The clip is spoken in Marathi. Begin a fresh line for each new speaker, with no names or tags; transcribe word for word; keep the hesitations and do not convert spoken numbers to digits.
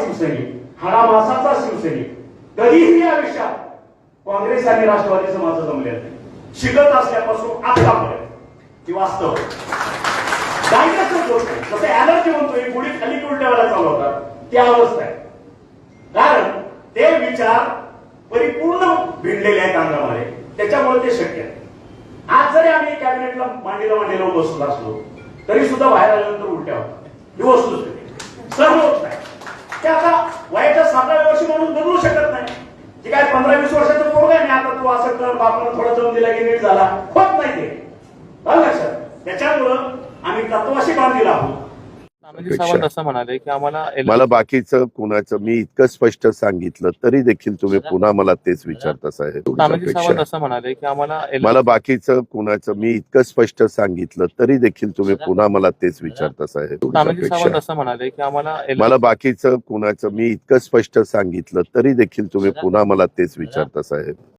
शिवसैनिक, हाडामासाचा शिवसैनिक, कधीही आयुष्यात काँग्रेस आणि राष्ट्रवादीचं माझं जमलेलं नाही. शिकत असल्यापासून आतापर्यंत ही वास्तव गायनाचं गोष्ट आहे. जसं ऍलर्जी म्हणतोय, गुढी खाली उलट्या वेळा चालवतात ती अवस्था आहे. कारण ते विचार परिपूर्ण भिडलेले आहेत अंगामध्ये, त्याच्यामुळे ते शक्य आहे. आज जरी आम्ही कॅबिनेटला मांडीला मांडीला बसलो असलो तरी सुद्धा बाहेर आल्यानंतर उलट्या होतात. ही वस्तुस्थिती सर्व होत नाही. ते आता वयाच्या सातव्या वर्षी म्हणून बदलू शकत नाही. जे काय पंधरा वीस वर्षाचं पोरग आहे, आता तू असं कर, बापानं थोडा जम दिला की नीट झाला, होत नाही ते. लक्षात. त्याच्यामुळं आम्ही तत्वाशी बांधलेला आहोत.
तानाजी सावंत असं म्हणाले की आम्हाला
मला बाकीचं कुणाचं मी इतकं स्पष्ट सांगितलं तरी देखील तुम्ही पुन्हा मला तेच विचारता साहेब.
तानाजी सावंत असं म्हणाले की आम्हाला
मला बाकीचं कुणाचं मी इतकं स्पष्ट सांगितलं तरी देखील तुम्ही पुन्हा मला तेच विचारता साहेब.
तानाजी सावंत असं म्हणाले की आम्हाला
मला बाकीचं कुणाचं मी इतकं स्पष्ट सांगितलं तरी देखील तुम्ही पुन्हा मला तेच विचारता साहेब.